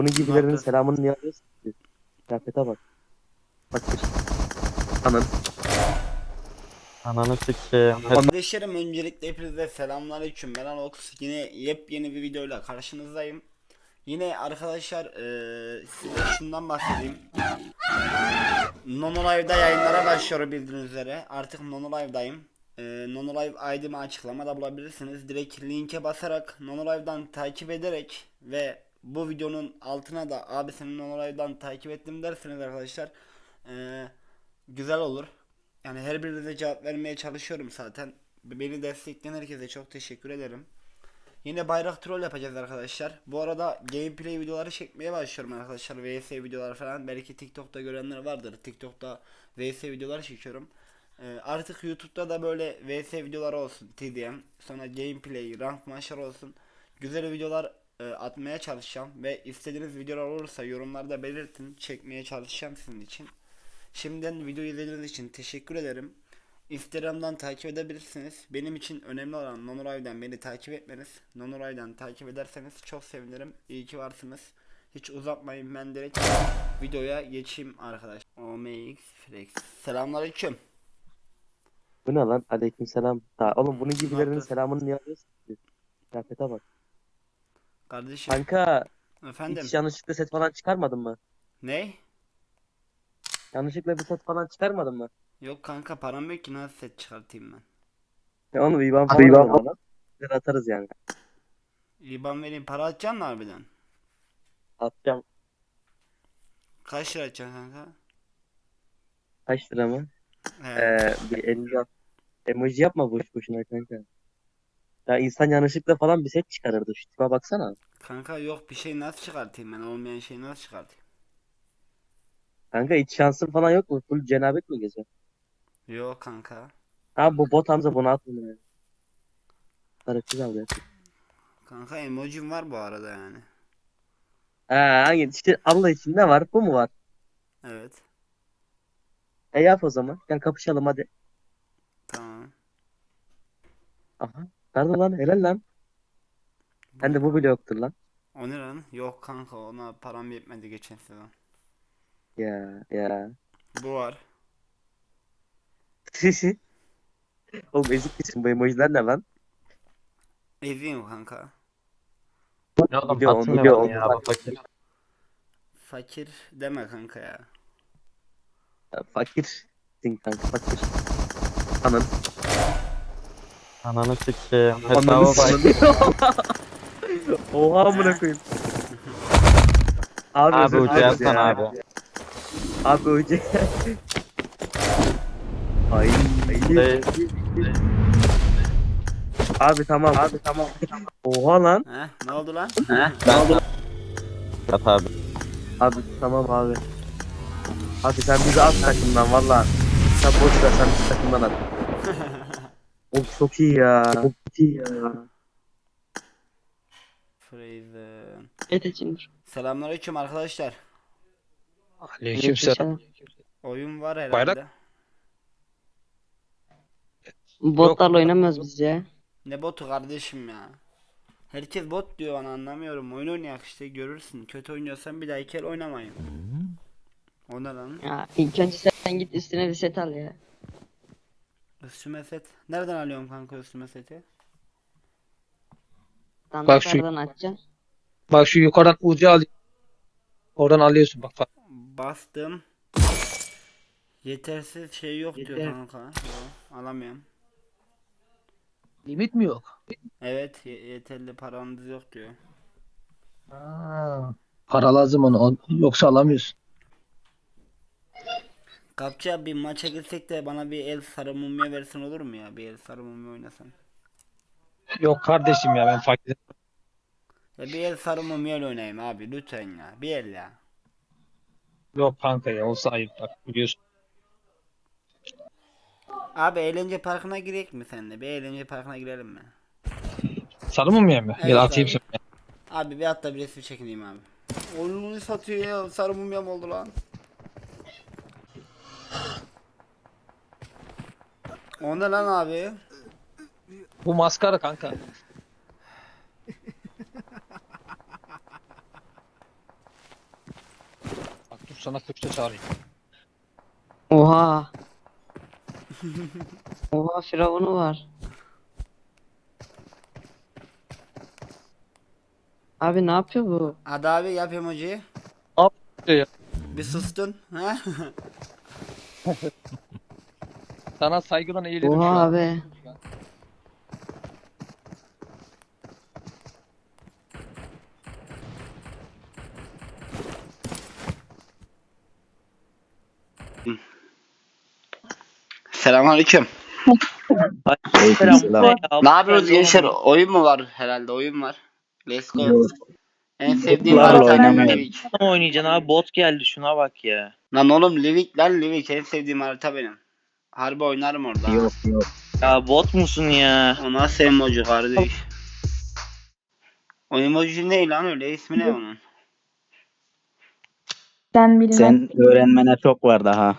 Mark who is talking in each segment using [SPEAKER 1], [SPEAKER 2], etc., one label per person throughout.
[SPEAKER 1] Bunun
[SPEAKER 2] Ne
[SPEAKER 1] gibilerinin
[SPEAKER 2] yaptın?
[SPEAKER 1] selamını niye alıyorsun ki? Kıyafete bak. Fakir. Anın.
[SPEAKER 3] Ananı sikeyim.
[SPEAKER 2] Kardeşlerim, öncelikle hepinize selamünaleyküm. Ben Alox. Yine yepyeni bir videoyla karşınızdayım. Yine arkadaşlar size şundan bahsedeyim. Nonolive'da yayınlara başlıyorum bildiğiniz üzere. Artık Nonolive'dayım. Nonolive ID'mi açıklamada bulabilirsiniz. Direkt linke basarak Nonolive'dan takip ederek ve bu videonun altına da abi senin Nonolive'dan takip ettim derseniz arkadaşlar güzel olur. Yani her birinize cevap vermeye çalışıyorum zaten. Beni destekleyen herkese çok teşekkür ederim. Yine bayrak troll yapacağız arkadaşlar. Bu arada gameplay videoları çekmeye başlıyorum arkadaşlar. VS videolar falan. Belki TikTok'ta görenler vardır. TikTok'ta VS videolar çekiyorum. Artık YouTube'da da böyle VS videoları olsun. TDM. Sonra gameplay, rank maçlar olsun. Güzel videolar atmaya çalışacağım. Ve istediğiniz videolar olursa yorumlarda belirtin. Çekmeye çalışacağım sizin için. Şimdiden videoyu izlediğiniz için teşekkür ederim. Instagram'dan takip edebilirsiniz. Benim için önemli olan Nonolive'den beni takip etmeniz. Nonolive'dan takip ederseniz çok sevinirim. İyi ki varsınız. Hiç uzatmayın, ben direkt videoya geçeyim arkadaş. OMX Flex. Selamünaleyküm.
[SPEAKER 1] Bu ne lan? Aleykümselam. Ta oğlum bunun
[SPEAKER 2] Ne
[SPEAKER 1] gibilerinin
[SPEAKER 2] yaptın?
[SPEAKER 1] selamını niye alıyorsun ki? Kıyafete bak.
[SPEAKER 2] Kardeşim.
[SPEAKER 1] Kanka
[SPEAKER 2] Efendim.
[SPEAKER 1] hiç yanlışlıkla set falan çıkarmadın mı?
[SPEAKER 2] Ne?
[SPEAKER 1] Yanlışlıkla bir set falan çıkarmadın mı?
[SPEAKER 2] Yok kanka, param yok ki, nasıl set çıkartayım ben?
[SPEAKER 1] Ya onu bir IBAN
[SPEAKER 3] Abi
[SPEAKER 1] falan
[SPEAKER 3] ben
[SPEAKER 1] atın bana. Biz atarız yani.
[SPEAKER 2] İban vereyim, para atacaksın mı harbiden?
[SPEAKER 1] Atacağım.
[SPEAKER 2] Kaç lira atacaksın kanka?
[SPEAKER 1] Kaç lira mı?
[SPEAKER 2] He.
[SPEAKER 1] Bir 50 at. Emoji yapma boş boşuna kanka. Ya insan yanlışlıkla falan bir set çıkarırdı. Şu tipe baksana.
[SPEAKER 2] Kanka yok, bir şey nasıl çıkartayım ben? Olmayan şeyi nasıl çıkartayım?
[SPEAKER 1] Kanka hiç şansın falan yok mu? Full cenabet mi geziyor?
[SPEAKER 2] Yok kanka.
[SPEAKER 1] Ha bu bot Hamza bunu atmıyor yani. Tarıkçı al ya.
[SPEAKER 2] Kanka emojim var bu arada yani.
[SPEAKER 1] Ha hangi işte Allah için ne var? Bu mu var?
[SPEAKER 2] Evet.
[SPEAKER 1] Yap o zaman. Gel kapışalım hadi.
[SPEAKER 2] Tamam.
[SPEAKER 1] Aha. Nerede lan? Helal lan. Hem de bu bile yoktur lan.
[SPEAKER 2] O ne lan? Yok kanka, ona param yetmedi geçen sezon.
[SPEAKER 1] Ya.
[SPEAKER 2] Bu var.
[SPEAKER 1] Oğlum ezik misin? Bu emojiler ne lan?
[SPEAKER 2] Eziyim kanka.
[SPEAKER 3] ne oğlum
[SPEAKER 1] Biliyor onu
[SPEAKER 3] atmıyor
[SPEAKER 1] biliyor
[SPEAKER 3] bana
[SPEAKER 1] onu.
[SPEAKER 3] ya bu fakir.
[SPEAKER 2] Fakir deme kanka ya.
[SPEAKER 1] Fakirsin kanka fakir. Anın.
[SPEAKER 3] Ananı sikeyim.
[SPEAKER 1] Ananı
[SPEAKER 3] Hesaba bak.
[SPEAKER 1] Oha amına koyayım. Abi
[SPEAKER 3] Abi
[SPEAKER 1] özür
[SPEAKER 3] ucu
[SPEAKER 1] dileriz
[SPEAKER 3] yazsan
[SPEAKER 1] ya.
[SPEAKER 3] abi.
[SPEAKER 1] Abi ucu. Ay.
[SPEAKER 3] Değil.
[SPEAKER 1] Abi tamam. Oha lan.
[SPEAKER 2] He? Ne oldu lan?
[SPEAKER 3] Ben Yat abi.
[SPEAKER 1] Abi tamam abi. Abi sen bizi at takımdan valla. Sen boş ver sen bizi takımdan at. Oğlum çok iyi ya.
[SPEAKER 2] Frazen.
[SPEAKER 4] Edeciğimdir.
[SPEAKER 2] Selamünaleyküm arkadaşlar.
[SPEAKER 5] Aleykümselam.
[SPEAKER 2] Oyun var herhalde.
[SPEAKER 5] Bayrak?
[SPEAKER 4] Botlarla oynamıyoruz biz ya.
[SPEAKER 2] Ne botu kardeşim ya? Herkes bot diyor bana, anlamıyorum. Oyun oynayak işte, görürsün. Kötü oynuyorsan bir daha iki el oynamayın. O ne lan?
[SPEAKER 4] Ya ilk önce sen git üstüne bir set al ya.
[SPEAKER 2] Üstüme set. Nereden alıyorum kanka üstüme seti?
[SPEAKER 5] Bak şu
[SPEAKER 4] Standartlardan açacaksın.
[SPEAKER 5] bak şu yukarıdan ucu al. Oradan alıyorsun bak.
[SPEAKER 2] Bastım. Yetersiz şey yok diyor kanka. Yok, alamıyorum.
[SPEAKER 5] Limit mi yok?
[SPEAKER 2] Evet, yeterli paranız yok diyor.
[SPEAKER 5] Para lazım ona. Yoksa alamıyorsun.
[SPEAKER 2] Kapça, bir maça gitsek de bana bir el sarı mumya versin, olur mu ya? Bir el sarı mumya oynasam.
[SPEAKER 5] Yok kardeşim ya ben fakir.
[SPEAKER 2] Ya bir el sarı mumya ile oynayayım abi, lütfen ya. Bir el ya.
[SPEAKER 5] Yok kanka ya olsa ayıp bak biliyorsun.
[SPEAKER 2] Abi eğlence parkına girek mi seninle? Bir eğlence parkına girelim mi?
[SPEAKER 5] Sarı mı ya mı?
[SPEAKER 2] Evet
[SPEAKER 5] Gel atayım
[SPEAKER 2] abi.
[SPEAKER 5] sana.
[SPEAKER 2] Abi bir hatta bir resim çekineyim abi. Oyununu satıyor ya, sarı mumyam oldu lan. O ne lan abi?
[SPEAKER 5] Bu maskara kanka. sana Türkçe çağırayım.
[SPEAKER 4] Oha. Oha firavunu var. Abi ne yapıyor bu?
[SPEAKER 2] Hadi abi yap emojiyi.
[SPEAKER 5] Ya.
[SPEAKER 2] Bir sustun. Ha?
[SPEAKER 5] Sana saygıdan eğilirim şu
[SPEAKER 4] Oha
[SPEAKER 5] an.
[SPEAKER 4] abi.
[SPEAKER 2] Selamünaleyküm.
[SPEAKER 3] Aleykümselam.
[SPEAKER 2] Ne yapıyoruz gençler? Oyun mu var herhalde? Oyun var. Let's go. En sevdiğim
[SPEAKER 3] Botlarla
[SPEAKER 2] harita
[SPEAKER 3] oynamıyorum.
[SPEAKER 2] Livik.
[SPEAKER 3] Oynayacaksın abi, bot geldi, şuna bak ya.
[SPEAKER 2] Lan oğlum Livik lan Livik en sevdiğim harita benim. Harbi oynarım orada. ha.
[SPEAKER 3] Yok. Ya bot musun ya?
[SPEAKER 2] O nasıl emoji kardeş? O emoji ne lan öyle? İsmi ne onun?
[SPEAKER 6] Sen bilmem.
[SPEAKER 7] Sen öğrenmene çok var daha.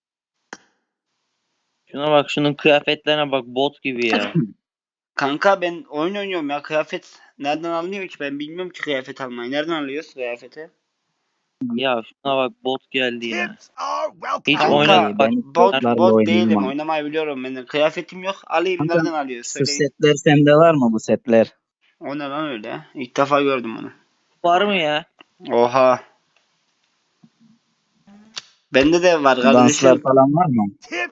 [SPEAKER 3] Şuna bak, şunun kıyafetlerine bak, bot gibi ya.
[SPEAKER 2] Kanka ben oyun oynuyorum ya, kıyafet nereden alınıyor ki, ben bilmiyorum ki kıyafet almayı. Nereden alıyoruz kıyafeti?
[SPEAKER 3] Ya şuna bak, bot geldi ya. Hiç
[SPEAKER 2] Kanka
[SPEAKER 3] oynadım bak.
[SPEAKER 7] ben
[SPEAKER 2] bot
[SPEAKER 7] botlarla
[SPEAKER 2] değilim,
[SPEAKER 7] oynayamam.
[SPEAKER 2] oynamayı biliyorum ben de. Kıyafetim yok, alayım.
[SPEAKER 7] Kanka,
[SPEAKER 2] Nereden alıyoruz
[SPEAKER 7] Şu
[SPEAKER 2] söyleyin.
[SPEAKER 7] setler sende var mı, bu setler?
[SPEAKER 2] O ne lan öyle? İlk defa gördüm onu.
[SPEAKER 3] Var mı ya?
[SPEAKER 2] Oha. Bende de var
[SPEAKER 7] Danslar
[SPEAKER 2] kardeşim.
[SPEAKER 7] falan var mı?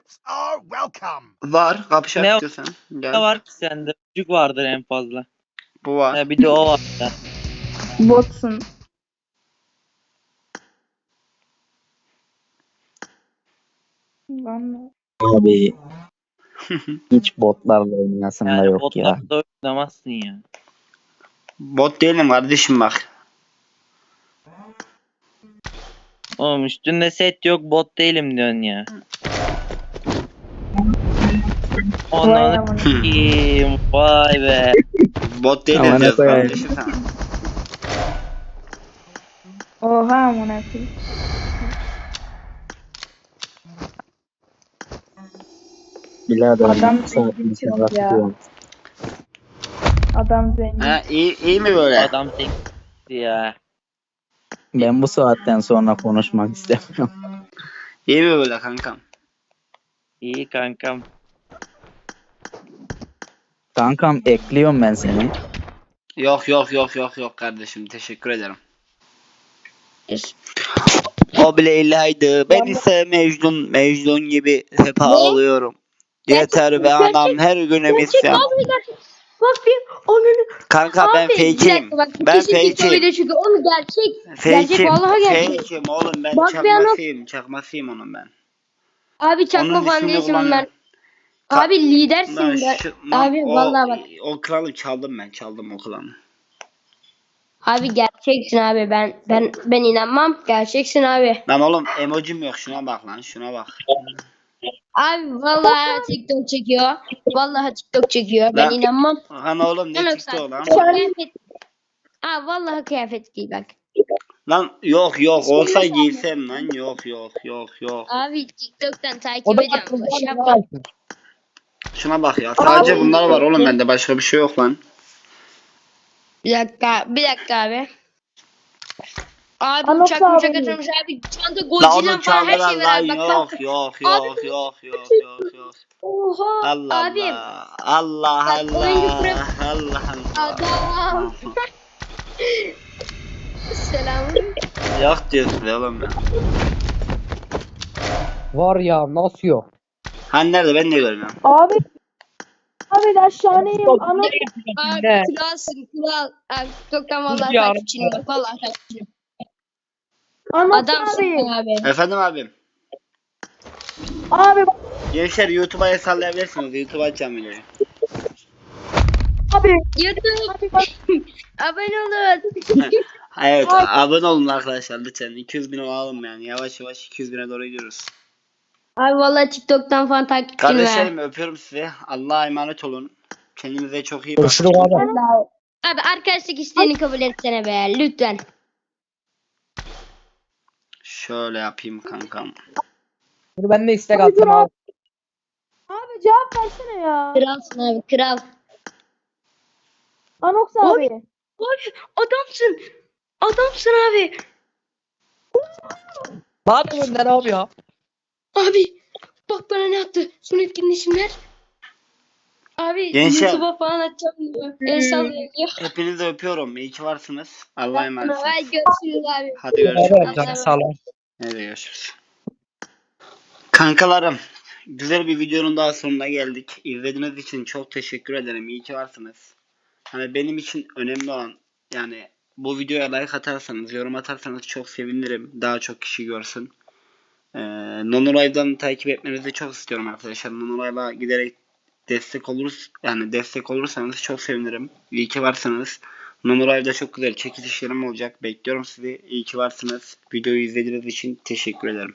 [SPEAKER 2] Var, kapışak
[SPEAKER 3] Ne-
[SPEAKER 2] istiyorsan.
[SPEAKER 3] Ne
[SPEAKER 2] Gel.
[SPEAKER 3] var ki sende? Çocuk vardır en fazla.
[SPEAKER 2] Bu var.
[SPEAKER 3] Ya bir de o var ya.
[SPEAKER 6] Botsun. Lan
[SPEAKER 7] Abi hiç botlarla oynayasın da
[SPEAKER 3] Yani
[SPEAKER 7] yok ya.
[SPEAKER 3] botlarla oynamazsın ya.
[SPEAKER 2] Bot değilim kardeşim bak.
[SPEAKER 3] Oğlum üstünde set yok, bot değilim diyorsun ya.
[SPEAKER 6] vay
[SPEAKER 3] Ananı
[SPEAKER 6] amına.
[SPEAKER 3] s**eyim, vay be.
[SPEAKER 2] Bot değilim
[SPEAKER 7] Amına
[SPEAKER 2] diyoruz
[SPEAKER 7] koyayım.
[SPEAKER 2] kardeşim sana.
[SPEAKER 6] Oha amına koyayım.
[SPEAKER 7] Birader
[SPEAKER 6] Adam
[SPEAKER 7] bu saatin
[SPEAKER 6] zengin
[SPEAKER 7] sonra
[SPEAKER 6] çok ya.
[SPEAKER 7] tutuyorum.
[SPEAKER 6] Adam zengin.
[SPEAKER 2] Ha, iyi mi böyle?
[SPEAKER 3] Adam tek ya.
[SPEAKER 7] Ben bu saatten sonra konuşmak istemiyorum.
[SPEAKER 2] İyi mi böyle kankam?
[SPEAKER 3] İyi kankam.
[SPEAKER 7] Kankam ekliyorum ben seni.
[SPEAKER 2] Yok kardeşim, teşekkür ederim. O bile illahıydı. Ben ise Mecnun gibi hep ağlıyorum. Yeter be anam, her gün isyan.
[SPEAKER 8] Bak bir onun
[SPEAKER 2] Kanka ben
[SPEAKER 8] abi bir
[SPEAKER 2] fake'im.
[SPEAKER 8] dakika bak
[SPEAKER 2] Ben
[SPEAKER 8] kesin TikTok
[SPEAKER 2] fake'im.
[SPEAKER 8] video çünkü onu gerçek
[SPEAKER 2] Fake'im.
[SPEAKER 8] vallahi gerçek.
[SPEAKER 2] Fake'im oğlum, ben
[SPEAKER 8] Bak bir ana-
[SPEAKER 2] çakmasıyım onun ben.
[SPEAKER 8] Abi çakma
[SPEAKER 2] Onun
[SPEAKER 8] falan
[SPEAKER 2] ismini
[SPEAKER 8] değilsin
[SPEAKER 2] kullanıyorum.
[SPEAKER 8] ben. Abi lidersin
[SPEAKER 2] Lan
[SPEAKER 8] ben.
[SPEAKER 2] lan
[SPEAKER 8] Abi vallahi bak.
[SPEAKER 2] O kralı çaldım o kralı.
[SPEAKER 8] Abi gerçeksin abi ben inanmam gerçeksin abi.
[SPEAKER 2] Lan oğlum emojim yok, şuna bak lan, şuna bak.
[SPEAKER 8] Abi vallahi TikTok çekiyor. Vallahi TikTok çekiyor. Ben
[SPEAKER 2] Lan-
[SPEAKER 8] inanmam.
[SPEAKER 2] Lan oğlum ne
[SPEAKER 8] Lan
[SPEAKER 2] çıktı o
[SPEAKER 8] yoksa
[SPEAKER 2] lan?
[SPEAKER 8] kıyafet. Aa vallahi kıyafet değil bak.
[SPEAKER 2] Lan yok olsa giysem lan, yok.
[SPEAKER 8] Abi TikTok'tan takip
[SPEAKER 5] O da
[SPEAKER 8] ediyorum. Şey yapma.
[SPEAKER 2] Şuna bak ya, sadece bunlar var oğlum bende, başka bir şey yok lan.
[SPEAKER 8] Bir dakika abi. Abi
[SPEAKER 6] Anlat
[SPEAKER 8] uçak
[SPEAKER 6] abi.
[SPEAKER 8] atılmış abi. Çanta
[SPEAKER 2] La
[SPEAKER 8] Godzilla
[SPEAKER 2] onu
[SPEAKER 8] falan her
[SPEAKER 2] çaldılar
[SPEAKER 8] şey var
[SPEAKER 2] lan,
[SPEAKER 8] abi. Bak,
[SPEAKER 2] yok.
[SPEAKER 8] Oha
[SPEAKER 2] Allah
[SPEAKER 8] abi.
[SPEAKER 2] Allah.
[SPEAKER 8] Bak, oyuncu
[SPEAKER 2] Allah.
[SPEAKER 8] Adam. Selam.
[SPEAKER 2] Yok diyorsun oğlum ya.
[SPEAKER 5] Var ya, nasıl yok?
[SPEAKER 2] Hani nerede, ben de görmüyorum.
[SPEAKER 6] Abi ben şahaneyim. Ana
[SPEAKER 8] Abi kralsın kral. Abi TikTok'tan vallahi
[SPEAKER 5] Ya.
[SPEAKER 8] takipçinim bak. Vallahi takipçinim.
[SPEAKER 6] anlat
[SPEAKER 8] Adamsın
[SPEAKER 6] abi.
[SPEAKER 8] abi.
[SPEAKER 2] Efendim abim.
[SPEAKER 6] Abi
[SPEAKER 2] Gençler YouTube'a el sallayabilirsiniz. YouTube'a açacağım videoyu.
[SPEAKER 6] abi.
[SPEAKER 8] YouTube. Abone olun.
[SPEAKER 2] Evet, abone olun arkadaşlar lütfen. 200.000 olalım yani. Yavaş 200.000'e doğru gidiyoruz.
[SPEAKER 8] Abi vallahi TikTok'tan falan takipçinim ha.
[SPEAKER 2] Kardeşlerim öpüyorum sizi. Allah'a emanet olun. Kendinize çok iyi bakın.
[SPEAKER 5] Görüşürüz abi.
[SPEAKER 8] Abi arkadaşlık isteğini kabul etsene be lütfen.
[SPEAKER 2] Şöyle yapayım kankam.
[SPEAKER 5] Dur ben de istek attım abi.
[SPEAKER 6] Abi cevap versene ya.
[SPEAKER 8] Kralsın abi kral.
[SPEAKER 6] Anox abi.
[SPEAKER 8] Abi adamsın. Adamsın abi.
[SPEAKER 5] Bak Önder abi ya.
[SPEAKER 8] Abi bak bana ne yaptı. Son etkinleşimler. Abi
[SPEAKER 2] Gençler.
[SPEAKER 8] YouTube'a falan açacağım diyor. El sallıyor diyor.
[SPEAKER 2] Hepinizi öpüyorum. İyi ki varsınız. Allah'a emanetsiniz.
[SPEAKER 8] Hadi görüşürüz abi.
[SPEAKER 2] Hadi görüşürüz.
[SPEAKER 5] Abi canı sağ ol.
[SPEAKER 2] Hadi görüşürüz. Kankalarım, güzel bir videonun daha sonuna geldik. İzlediğiniz için çok teşekkür ederim. İyi ki varsınız. Hani benim için önemli olan, yani bu videoya like atarsanız, yorum atarsanız çok sevinirim. Daha çok kişi görsün. Nonolive'dan takip etmenizi çok istiyorum arkadaşlar. Nonolive'a giderek destek olursanız çok sevinirim. İyi ki varsınız. Nonolive'da çok güzel çekilişlerim olacak. Bekliyorum sizi. İyi ki varsınız. Videoyu izlediğiniz için teşekkür ederim.